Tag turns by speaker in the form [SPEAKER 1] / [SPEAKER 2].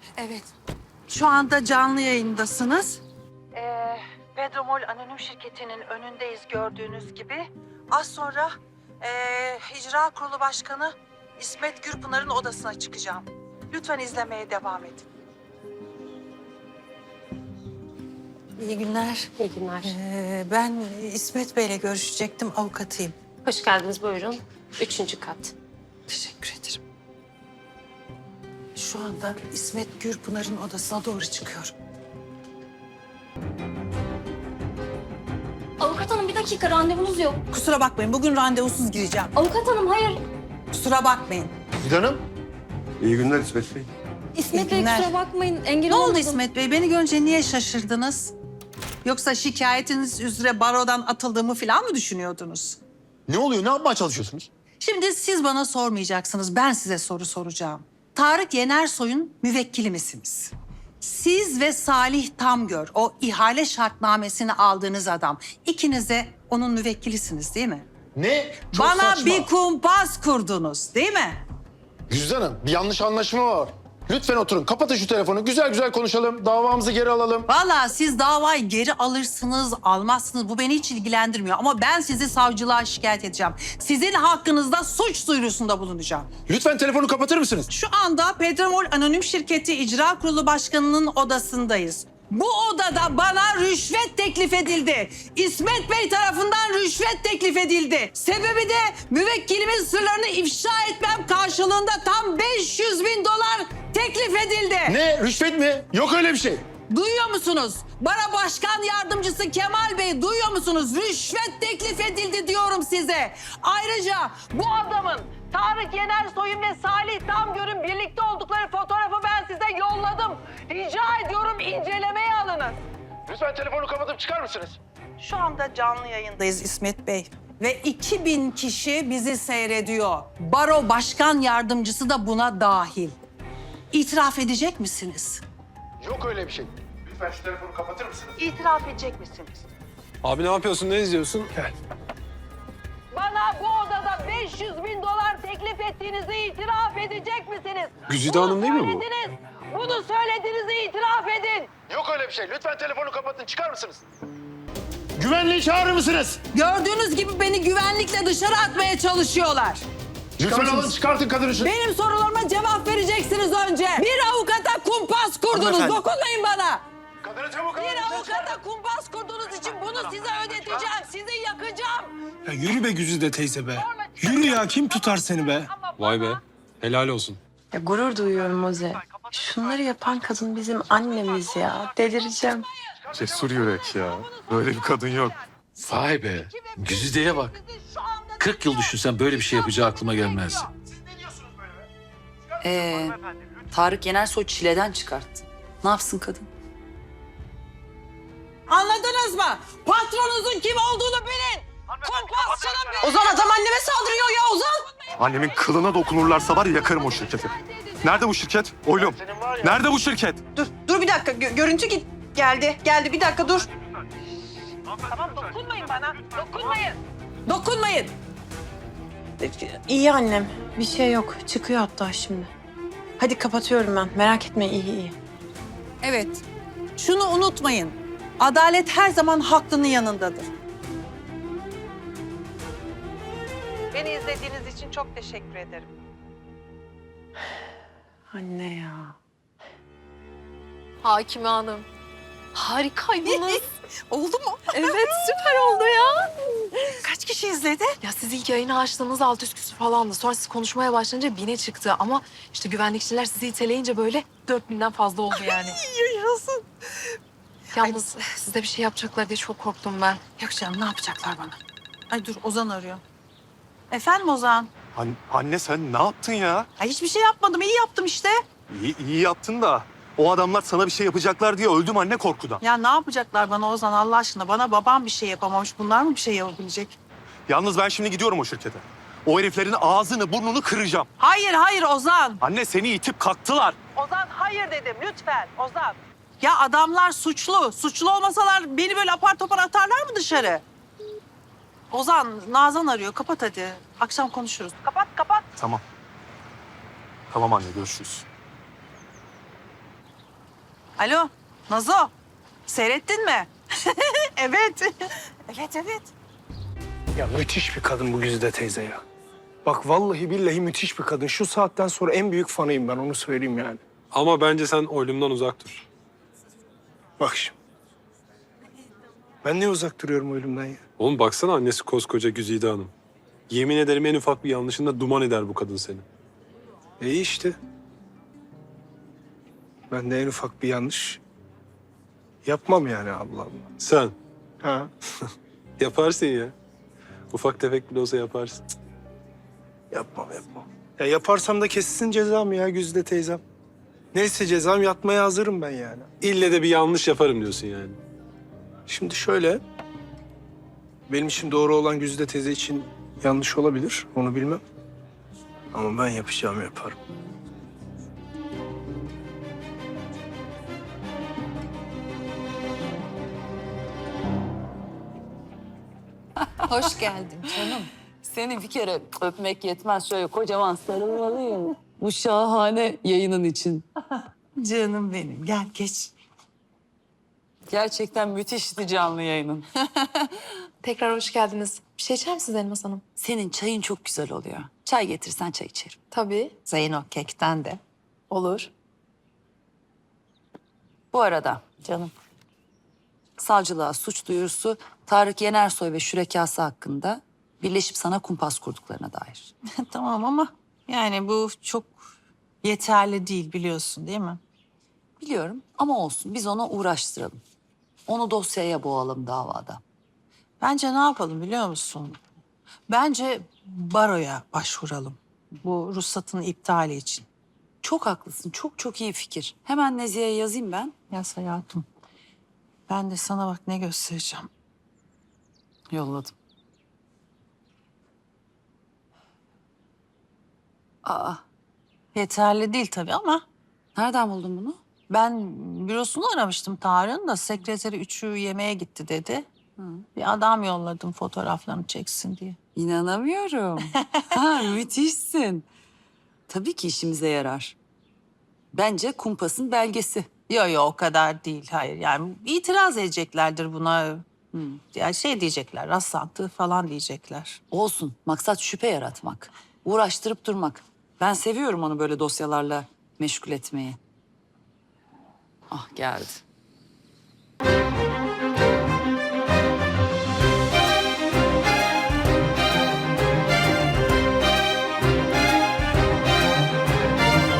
[SPEAKER 1] Evet. Şu anda canlı yayındasınız. Pedromol Anonim Şirketi'nin önündeyiz gördüğünüz gibi. Az sonra İcra Kurulu Başkanı İsmet Gürpınar'ın odasına çıkacağım. Lütfen izlemeye devam edin. İyi günler.
[SPEAKER 2] İyi günler.
[SPEAKER 1] Ben İsmet Bey'le görüşecektim, avukatıyım.
[SPEAKER 2] Hoş geldiniz, buyurun. 3. kat.
[SPEAKER 1] Teşekkür ederim. Şu anda İsmet Gürpınar'ın odasına doğru çıkıyorum.
[SPEAKER 3] Avukat hanım bir dakika randevunuz yok.
[SPEAKER 1] Kusura bakmayın, bugün randevusuz gireceğim.
[SPEAKER 3] Avukat hanım hayır.
[SPEAKER 1] Kusura bakmayın.
[SPEAKER 4] Hanım. İyi günler İsmet Bey.
[SPEAKER 3] İsmet
[SPEAKER 1] İyi
[SPEAKER 3] Bey
[SPEAKER 1] günler.
[SPEAKER 3] kusura bakmayın engel
[SPEAKER 1] Ne oldu
[SPEAKER 3] olamadım.
[SPEAKER 1] İsmet Bey? Beni görünce niye şaşırdınız? Yoksa şikayetiniz üzere barodan atıldığımı falan mı düşünüyordunuz?
[SPEAKER 4] Ne oluyor? Ne yapmaya çalışıyorsunuz?
[SPEAKER 1] Şimdi siz bana sormayacaksınız, ben size soru soracağım. Tarık Yenersoy'un müvekkili misiniz? Siz ve Salih Tamgör, o ihale şartnamesini aldığınız adam, ikiniz de onun müvekkilisiniz değil mi?
[SPEAKER 4] Ne? Çok
[SPEAKER 1] Bana
[SPEAKER 4] saçma.
[SPEAKER 1] bir kumpas kurdunuz değil mi?
[SPEAKER 4] Güzide Hanım, bir yanlış anlaşma var. Lütfen oturun. Kapatın şu telefonu. Güzel güzel konuşalım. Davamızı geri alalım.
[SPEAKER 1] Vallahi siz davayı geri alırsınız, almazsınız. Bu beni hiç ilgilendirmiyor. Ama ben sizi savcılığa şikayet edeceğim. Sizin hakkınızda suç duyurusunda bulunacağım.
[SPEAKER 4] Lütfen telefonu kapatır mısınız?
[SPEAKER 1] Şu anda Pedromol Anonim Şirketi İcra Kurulu Başkanı'nın odasındayız. Bu odada bana rüşvet teklif edildi. İsmet Bey tarafından rüşvet teklif edildi. Sebebi de müvekkilimin sırlarını ifşa etmem karşılığında tam 500.000 dolar teklif edildi.
[SPEAKER 4] Ne? Rüşvet mi? Yok öyle bir şey.
[SPEAKER 1] Duyuyor musunuz? Bana başkan yardımcısı Kemal Bey duyuyor musunuz? Rüşvet teklif edildi diyorum size. Ayrıca bu adamın Tarık Yenersoy'un ve Salih Tamgör'ün birlikte oldukları fotoğrafı ben size yolladım. Rica ediyorum incelemeye alınız.
[SPEAKER 4] Lütfen telefonu kapatıp çıkar mısınız?
[SPEAKER 1] Şu anda canlı yayındayız İsmet Bey. Ve 2000 kişi bizi seyrediyor. Baro başkan yardımcısı da buna dahil. İtiraf edecek misiniz?
[SPEAKER 4] Yok öyle bir şey. Lütfen şu telefonu kapatır mısınız?
[SPEAKER 1] İtiraf edecek misiniz?
[SPEAKER 5] Abi ne yapıyorsun, ne izliyorsun?
[SPEAKER 1] Bana bu odada 500.000 dolar teklif ettiğinizi itiraf edecek misiniz?
[SPEAKER 5] Güzide Hanım değil mi bu?
[SPEAKER 1] Söylediniz. Bunu söylediğinizi itiraf edin.
[SPEAKER 4] Yok öyle bir şey. Lütfen telefonu kapatın. Çıkar mısınız? Güvenliği çağırır mısınız?
[SPEAKER 1] Gördüğünüz gibi beni güvenlikle dışarı atmaya çalışıyorlar.
[SPEAKER 4] Lütfen alın çıkartın kadını şu.
[SPEAKER 1] Benim sorularıma cevap vereceksiniz önce. Bir avukata kumpas kurdunuz.
[SPEAKER 4] Hanımefendi.
[SPEAKER 1] Dokunmayın bana.
[SPEAKER 4] Kadını çabuk alın.
[SPEAKER 1] Bir avukata kumpas kurduğunuz için bunu size ödeteceğim. Sizi yakacağım.
[SPEAKER 5] Ya yürü be Güzide teyze be. Yürü ya, kim tutar seni be? Vay be, helal olsun.
[SPEAKER 6] Ya gurur duyuyorum Moze. Şunları yapan kadın bizim annemiz ya. Delireceğim.
[SPEAKER 7] Cesur yürek ya. Böyle bir kadın yok.
[SPEAKER 8] Vay be. Güzide'ye bak. 40 yıl düşünsem böyle bir şey yapacağı aklıma gelmezdi.
[SPEAKER 9] Tarık Yenersoy çileden çıkarttı. Ne yapsın kadın?
[SPEAKER 1] Anladınız mı? Patronunuzun kim olduğunu bilin. Kumpasçının bilin.
[SPEAKER 6] Ozan adam anneme saldırıyor ya Ozan.
[SPEAKER 7] Annemin kılına dokunurlarsa var ya yakarım o şirketi. Nerede bu şirket? Oğlum. Nerede bu şirket?
[SPEAKER 6] Dur bir dakika. Görüntü geldi. Bir dakika dur.
[SPEAKER 1] Tamam dokunmayın bana. Dokunmayın. Dokunmayın.
[SPEAKER 6] İyi annem. Bir şey yok. Çıkıyor hatta şimdi. Hadi kapatıyorum ben. Merak etme iyi.
[SPEAKER 1] Evet. Şunu unutmayın. Adalet her zaman haklının yanındadır. Beni izlediğiniz için çok teşekkür ederim.
[SPEAKER 6] Anne ya.
[SPEAKER 2] Hakime Hanım. Harikaydınız.
[SPEAKER 1] Oldu mu?
[SPEAKER 2] Evet, süper oldu ya.
[SPEAKER 1] Kaç kişi izledi?
[SPEAKER 2] Ya siz ilk yayını açtığınız 600 küsur falandı. Sonra siz konuşmaya başlayınca 1000'e çıktı. Ama işte güvenlikçiler sizi iteleyince böyle 4000'den fazla oldu yani.
[SPEAKER 1] Yaşasın.
[SPEAKER 2] Yalnız size bir şey yapacaklar diye çok korktum ben.
[SPEAKER 1] Yok canım ne yapacaklar bana? Ay dur Ozan arıyor. Efendim Ozan?
[SPEAKER 7] Anne sen ne yaptın ya?
[SPEAKER 1] Ay hiçbir şey yapmadım. İyi yaptım işte.
[SPEAKER 7] İyi yaptın da o adamlar sana bir şey yapacaklar diye öldüm anne korkudan.
[SPEAKER 1] Ya ne yapacaklar bana Ozan Allah aşkına? Bana babam bir şey yapamamış. Bunlar mı bir şey yapabilecek?
[SPEAKER 7] Yalnız ben şimdi gidiyorum o şirkete. O heriflerin ağzını burnunu kıracağım.
[SPEAKER 1] Hayır Ozan.
[SPEAKER 7] Anne seni itip kalktılar.
[SPEAKER 1] Ozan hayır dedim lütfen Ozan. Ya adamlar suçlu. Suçlu olmasalar beni böyle apar topar atarlar mı dışarı? Ozan, Nazan arıyor. Kapat hadi. Akşam konuşuruz. Kapat.
[SPEAKER 7] Tamam. Tamam anne görüşürüz.
[SPEAKER 1] Alo, Nazo. Seyrettin mi? Evet. Evet.
[SPEAKER 5] Ya müthiş bir kadın bu Güzide teyze ya. Bak vallahi billahi müthiş bir kadın. Şu saatten sonra en büyük fanıyım ben, onu söyleyeyim yani.
[SPEAKER 10] Ama bence sen oylumdan uzak dur.
[SPEAKER 5] Bak şimdi. Ben niye uzak duruyorum oğlumdan ya?
[SPEAKER 10] Oğlum baksana annesi koskoca Güzide Hanım. Yemin ederim en ufak bir yanlışında duman eder bu kadın seni.
[SPEAKER 5] İyi işte. Ben de en ufak bir yanlış yapmam yani, Allah Allah.
[SPEAKER 10] Sen
[SPEAKER 5] Ha.
[SPEAKER 10] yaparsın ya. Ufak tefek bile olsa yaparsın.
[SPEAKER 5] Yapmam. Ya yaparsam da kessin cezam ya Güzide teyzem. Neyse cezam, yatmaya hazırım ben yani.
[SPEAKER 10] İlle de bir yanlış yaparım diyorsun yani.
[SPEAKER 5] Şimdi şöyle, benim için doğru olan Güzide teyze için yanlış olabilir, onu bilmem. Ama ben yapacağımı yaparım.
[SPEAKER 9] Hoş geldin canım. Seni bir kere öpmek yetmez. Şöyle kocaman sarılmalıyım. Bu şahane yayının için.
[SPEAKER 1] Canım benim, gel geç.
[SPEAKER 9] Gerçekten müthişti canlı yayının.
[SPEAKER 2] Tekrar hoş geldiniz. Bir şey içer misiniz Elmas Hanım?
[SPEAKER 9] Senin çayın çok güzel oluyor. Çay getirsen çay içerim.
[SPEAKER 2] Tabii.
[SPEAKER 1] Zeyno kekten de.
[SPEAKER 2] Olur.
[SPEAKER 9] Bu arada canım, savcılığa suç duyurusu Tarık Yenersoy ve şürekası hakkında birleşip sana kumpas kurduklarına dair.
[SPEAKER 6] Tamam ama yani bu çok yeterli değil, biliyorsun değil mi?
[SPEAKER 9] Biliyorum ama olsun, biz ona uğraştıralım. Onu dosyaya boğalım davada.
[SPEAKER 6] Bence ne yapalım biliyor musun? Bence baroya başvuralım. Bu ruhsatın iptali için.
[SPEAKER 9] Çok haklısın, çok iyi fikir. Hemen Nezihe'ye yazayım ben.
[SPEAKER 6] Yaz hayatım. Ben de sana bak ne göstereceğim.
[SPEAKER 9] Yolladım. Aa,
[SPEAKER 6] Yeterli değil tabii ama
[SPEAKER 9] nereden buldun bunu?
[SPEAKER 6] ben bürosunu aramıştım Tarık'ın da sekreteri üçü yemeğe gitti dedi. Bir adam yolladım fotoğraflarını çeksin diye.
[SPEAKER 9] İnanamıyorum. Ha, müthişsin. Tabii ki işimize yarar. Bence kumpasın belgesi.
[SPEAKER 6] Yo o kadar değil, hayır. Yani itiraz edeceklerdir buna. Yani şey diyecekler, rastlantı falan diyecekler.
[SPEAKER 9] Olsun, maksat şüphe yaratmak. Uğraştırıp durmak. Ben seviyorum onu böyle dosyalarla meşgul etmeyi. Ah geldi.